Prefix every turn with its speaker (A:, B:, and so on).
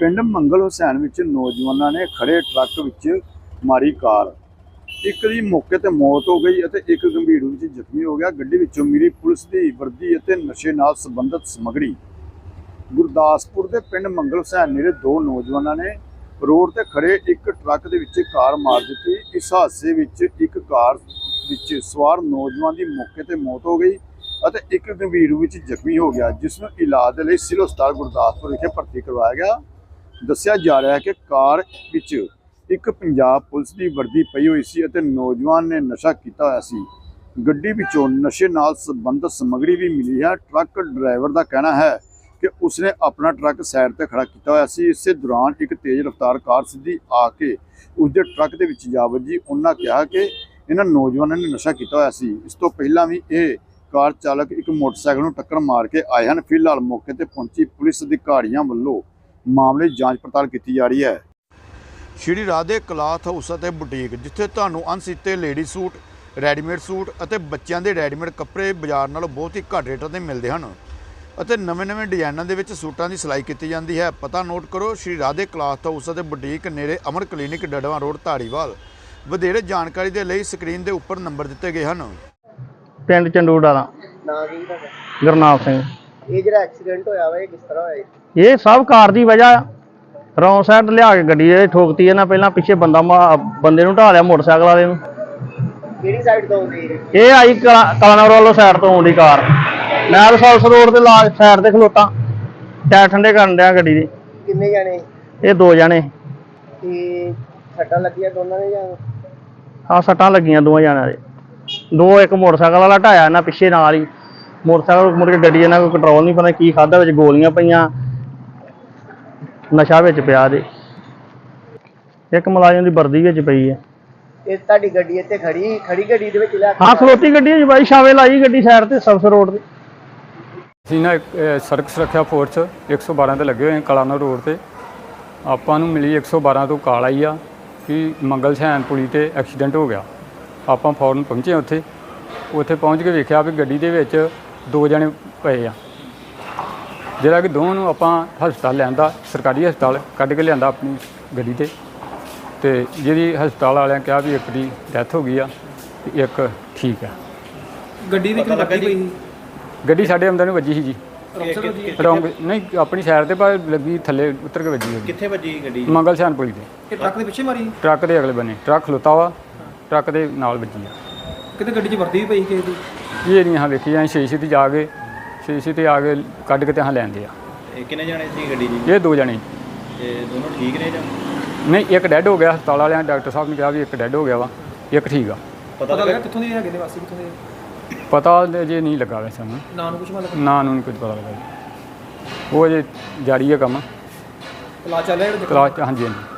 A: ਪਿੰਡ ਮੰਗਲ ਹੁਸੈਨ ਵਿੱਚ ਨੌਜਵਾਨਾਂ ਨੇ ਖੜੇ ਟਰੱਕ ਵਿੱਚ ਮਾਰੀ ਕਾਰ। ਇੱਕ ਦੀ ਮੌਕੇ ਤੇ ਮੌਤ ਹੋ ਗਈ ਅਤੇ ਇੱਕ ਗੰਭੀਰ ਰੂਪ ਵਿੱਚ ਜ਼ਖਮੀ ਹੋ ਗਿਆ। ਗੱਡੀ ਵਿੱਚੋਂ ਮਿਲੀ ਪੁਲਿਸ ਦੀ ਵਰਦੀ ਅਤੇ ਨਸ਼ੇ ਨਾਲ ਸੰਬੰਧਿਤ ਸਮੱਗਰੀ। ਗੁਰਦਾਸਪੁਰ ਦੇ ਪਿੰਡ ਮੰਗਲ ਹੁਸੈਨ ਨੇੜੇ ਦੋ ਨੌਜਵਾਨਾਂ ਨੇ ਰੋਡ ਤੇ ਖੜੇ ਇੱਕ ਟਰੱਕ ਦੇ ਵਿੱਚ ਕਾਰ ਮਾਰ ਦਿੱਤੀ। ਇਸ ਹਾਦਸੇ ਵਿੱਚ ਇੱਕ ਕਾਰ ਵਿੱਚ ਸਵਾਰ ਨੌਜਵਾਨ ਦੀ ਮੌਕੇ ਤੇ ਮੌਤ ਹੋ ਗਈ ਅਤੇ ਇੱਕ ਗੰਭੀਰ ਰੂਪ ਵਿੱਚ ਜ਼ਖਮੀ ਹੋ ਗਿਆ, ਜਿਸ ਨੂੰ ਇਲਾਜ ਦੇ ਲਈ ਸਿਵਲ ਹਸਪਤਾਲ ਗੁਰਦਾਸਪੁਰ ਵਿਖੇ ਭਰਤੀ ਕਰਵਾਇਆ ਗਿਆ। ਦੱਸਿਆ ਜਾ ਰਿਹਾ ਹੈ ਕਿ ਕਾਰ ਵਿੱਚ ਇੱਕ ਪੰਜਾਬ ਪੁਲਿਸ ਦੀ ਵਰਦੀ ਪਈ ਹੋਈ ਸੀ ਅਤੇ ਨੌਜਵਾਨ ਨੇ ਨਸ਼ਾ ਕੀਤਾ ਹੋਇਆ ਸੀ। ਗੱਡੀ ਵਿੱਚੋਂ ਨਸ਼ੇ ਨਾਲ ਸੰਬੰਧਿਤ ਸਮੱਗਰੀ ਵੀ ਮਿਲੀ ਹੈ। ਟਰੱਕ ਡਰਾਈਵਰ ਦਾ ਕਹਿਣਾ ਹੈ ਕਿ ਉਸਨੇ ਆਪਣਾ ਟਰੱਕ ਸਾਈਡ ਤੇ ਖੜਾ ਕੀਤਾ ਹੋਇਆ ਸੀ। ਇਸੇ ਦੌਰਾਨ ਇੱਕ ਤੇਜ਼ ਰਫ਼ਤਾਰ ਕਾਰ ਸਿੱਧੀ ਆ ਕੇ ਉਸਦੇ ਟਰੱਕ ਦੇ ਵਿੱਚ ਜਾ ਵੱਜੀ। ਉਹਨਾਂ ਕਿਹਾ ਕਿ ਇਹਨਾਂ ਨੌਜਵਾਨਾਂ ਨੇ ਨਸ਼ਾ ਕੀਤਾ ਹੋਇਆ ਸੀ। ਇਸ ਤੋਂ ਪਹਿਲਾਂ ਵੀ ਇਹ ਕਾਰ ਚਾਲਕ ਇੱਕ ਮੋਟਰਸਾਈਕਲ ਨੂੰ ਟੱਕਰ ਮਾਰ ਕੇ ਆਏ ਹਨ। ਫਿਲਹਾਲ ਮੌਕੇ ਤੇ ਪਹੁੰਚੀ ਪੁਲਿਸ ਅਧਿਕਾਰੀਆਂ ਵੱਲੋਂ ਮਾਮਲੇ ਦੀ ਜਾਂਚ ਪੜਤਾਲ ਕੀਤੀ ਜਾ ਰਹੀ ਹੈ। ਸ਼੍ਰੀ ਰਾਧੇ ਕਲਾਥ ਹਾਊਸ ਅਤੇ ਬੁਟੀਕ, ਜਿੱਥੇ ਤੁਹਾਨੂੰ ਅਣਸੀਤੇ ਲੇਡੀ ਸੂਟ, ਰੈਡੀਮੇਡ ਸੂਟ ਅਤੇ ਬੱਚਿਆਂ ਦੇ ਰੈਡੀਮੇਡ ਕੱਪੜੇ ਬਾਜ਼ਾਰ ਨਾਲੋਂ ਬਹੁਤ ਹੀ ਘੱਟ ਰੇਟਾਂ ਤੇ ਮਿਲਦੇ ਹਨ ਅਤੇ ਨਵੇਂ ਡਿਜ਼ਾਈਨਾਂ ਦੇ ਵਿੱਚ ਸੂਟਾਂ ਦੀ ਸਿਲਾਈ ਕੀਤੀ ਜਾਂਦੀ ਹੈ। ਪਤਾ ਨੋਟ ਕਰੋ, ਸ਼੍ਰੀ ਰਾਧੇ ਕਲਾਥ ਹਾਊਸ ਅਤੇ ਬੁਟੀਕ, ਨੇੜੇ ਅਮਰ ਕਲੀਨਿਕ, ਡੜਵਾ ਰੋਡ, ਧਾਰੀਵਾਲ। ਵਧੇਰੇ ਜਾਣਕਾਰੀ ਦੇ ਲਈ ਸਕਰੀਨ ਦੇ ਉੱਪਰ ਨੰਬਰ ਦਿੱਤੇ ਗਏ ਹਨ।
B: ਪਿੰਡ ਚੰਡੂੜਾ ਦਾ
C: ਨਾਂ ਕੀ ਤੁਹਾਡਾ?
B: ਗੁਰਨਾਮ ਸਿੰਘ।
C: ਇਹ ਜਿਹੜਾ ਐਕਸੀਡੈਂਟ ਹੋਇਆ ਵਾ ਇਹ ਕਿਸ ਤਰ੍ਹਾਂ ਹੋਇਆ?
B: ਇਹ ਸਭ ਕਾਰ ਦੀ ਵਜ੍ਹਾ ਰੌਂਗ ਸਾਈਡ ਲਿਆ ਕੇ ਗੱਡੀ ਇਹ ਠੋਕਤੀ ਇਹਨਾਂ। ਪਹਿਲਾਂ ਪਿੱਛੇ ਬੰਦੇ ਨੂੰ ਢਾਹ ਲਿਆ ਮੋਟਰਸਾਈਕਲ ਵਾਲੇ ਨੂੰ।
C: ਕਿਹੜੀ ਸਾਈਡ ਤੋਂ ਆਉਂਦੀ ਹੈ?
B: ਇਹ ਆਈ ਕਲਾਨੌਰ ਵੱਲੋਂ ਸਾਈਡ ਤੋਂ ਆਉਂਦੀ ਕਾਰ। ਮੈਂ ਰਸੌਲਸ ਰੋਡ ਤੇ ਲਾ ਸਾਈਡ ਤੇ ਖਲੋਤਾ, ਟਾਇਰ ਠੰਡੇ ਕਰਨ ਡਿਆ ਗੱਡੀ ਦੇ।
C: ਕਿੰਨੇ ਜਾਣੇ?
B: ਇਹ ਦੋ ਜਣੇ।
C: ਤੇ ਸੱਟਾਂ ਲੱਗੀਆਂ ਦੋਨਾਂ ਦੇ ਜਾਂ?
B: ਹਾਂ, ਸੱਟਾਂ ਲੱਗੀਆਂ ਦੋਵਾਂ ਜਣਿਆਂ ਦੇ। ਦੋ ਇੱਕ ਮੋਟਰਸਾਈਕਲ ਵਾਲਾ ਢਾਇਆ ਇਹਨਾਂ ਪਿੱਛੇ ਨਾਲ ਹੀ। ਮੋਟਰਸਾਈਕਲ ਮੁੜ ਕੇ ਗੱਡੀ ਇਹਨਾਂ ਕੋਈ ਕੰਟਰੋਲ ਨਹੀਂ, ਪਤਾ ਕੀ ਖਾਧਾ, ਵਿੱਚ ਗੋਲੀਆਂ ਪਈਆਂ, ਨਸ਼ਾ ਵਿੱਚ ਪਿਆ ਦੇ। ਇੱਕ ਮੁਲਾਜ਼ਮ ਦੀ ਵਰਦੀ ਵਿੱਚ ਪਈ ਹੈ।
C: ਇਹ ਤੁਹਾਡੀ ਗੱਡੀ ਇੱਥੇ ਖੜੀ ਗੱਡੀ ਦੇ ਵਿੱਚ ਲਿਆ ਕੇ?
B: ਹਾਂ, ਖਲੋਤੀ ਗੱਡੀ ਹੈ ਜੀ ਬਾਈ, ਛਾਵੇਂ ਲਾਈ ਗੱਡੀ ਸਾਈਡ ਤੇ ਸਰਵਿਸ ਰੋਡ ਤੇ।
D: ਅਸੀਂ ਨਾ ਸੜਕ ਸੁਰੱਖਿਆ ਫੋਰਸ 112 ਤੇ ਲੱਗੇ ਹੋਏ ਕਲਾਨੌਰ ਰੋਡ ਤੇ। ਆਪਾਂ ਨੂੰ ਮਿਲੀ 112 ਤੋਂ ਕਾਲ ਆਈ ਆ ਕਿ ਮੰਗਲ ਹੁਸੈਨ ਪੁਲੀ ਤੇ ਐਕਸੀਡੈਂਟ ਹੋ ਗਿਆ। ਆਪਾਂ ਫੌਰਨ ਪਹੁੰਚੇ ਉੱਥੇ ਪਹੁੰਚ ਕੇ ਵੇਖਿਆ ਵੀ ਗੱਡੀ ਦੇ ਵਿੱਚ ਦੋ ਜਣੇ ਪਏ ਆ, ਜਿਹੜਾ ਕਿ ਦੋਵਾਂ ਨੂੰ ਆਪਾਂ ਹਸਪਤਾਲ ਲਿਆਂਦਾ, ਸਰਕਾਰੀ ਹਸਪਤਾਲ ਕੱਢ ਕੇ ਲਿਆਂਦਾ ਆਪਣੀ ਗੱਡੀ ਤੇ ਜਿਹਦੀ ਹਸਪਤਾਲ ਵਾਲਿਆਂ ਕਿਹਾ ਵੀ ਇੱਕ ਦੀ ਡੈਥ ਹੋ ਗਈ ਆ ਤੇ ਇੱਕ ਠੀਕ ਆ।
E: ਗੱਡੀ ਵਿੱਚ ਲੱਗੀ ਪਈ?
D: ਗੱਡੀ ਸਾਡੇ ਅੰਦਰ ਨੂੰ ਵੱਜੀ ਸੀ ਜੀ। ਰੌਂਗ ਨਹੀਂ, ਆਪਣੀ ਸਾਈਡ ਤੇ ਪਰ ਲੱਗੀ, ਥੱਲੇ ਉਤਰ ਕੇ ਵੱਜੀ।
E: ਕਿੱਥੇ ਵੱਜੀ ਗੱਡੀ?
D: ਮੰਗਲ ਹੁਸੈਨ ਪੁਲੀ ਤੇ।
E: ਇਹ ਟਰੱਕ ਦੇ ਪਿੱਛੇ ਮਾਰੀ?
D: ਟਰੱਕ ਦੇ ਅਗਲੇ ਬੰਨੇ ਟਰੱਕ ਖਲੋਤਾ ਵਾ, ਟਰੱਕ ਦੇ ਨਾਲ ਵੱਜੀ ਆ।
E: ਕਿਤੇ ਗੱਡੀ 'ਚ ਵਰਦੀ ਵੀ ਪਈ ਕਿਸੇ ਦੀ?
D: ਇਹ ਨਹੀਂ ਹਾਂ ਵੇਖੀ, ਅਸੀਂ ਸ਼ੀਸ਼ੇ ਤੇ ਜਾ ਕੇ ਆ ਕੇ ਕੱਢ ਕੇ ਤੇ ਹਾਂ ਲੈਂਦੇ ਆ।
E: ਇਹ ਕਿੰਨੇ ਜਾਣੇ ਸੀ ਗੱਡੀ 'ਚ?
D: ਇਹ ਦੋ ਜਣੇ।
E: ਤੇ ਦੋਨੋਂ ਠੀਕ ਨੇ ਜਾਂ?
D: ਨਹੀਂ, ਇੱਕ ਡੈੱਡ ਹੋ ਗਿਆ। ਹਸਪਤਾਲ ਵਾਲਿਆਂ ਡਾਕਟਰ ਸਾਹਿਬ ਨੇ ਕਿਹਾ ਵੀ ਇੱਕ ਡੈੱਡ ਹੋ ਗਿਆ ਵਾ, ਇੱਕ ਠੀਕ ਆ।
E: ਪਤਾ ਲੱਗਾ ਕਿੱਥੋਂ ਦੇ ਹੈਗੇ ਨੇ, ਵਾਸੀ ਕਿੱਥੋਂ ਦੇ?
D: ਪਤਾ ਜੇ ਨਹੀਂ ਲੱਗਾ ਵੈਸੇ ਸਾਨੂੰ,
E: ਨਾਂ ਨੂੰ ਕੁਝ ਮਤਲਬ?
D: ਨਾਂ ਨੂੰ ਨਹੀਂ ਕੁਝ ਪਤਾ ਲੱਗਾ ਜੀ। ਉਹ ਅਜੇ ਜਾਰੀ ਹੈ ਕੰਮ,
E: ਇਲਾਜ ਚੱਲ ਰਿਹਾ?
D: ਕਲਾਸ ਹਾਂਜੀ।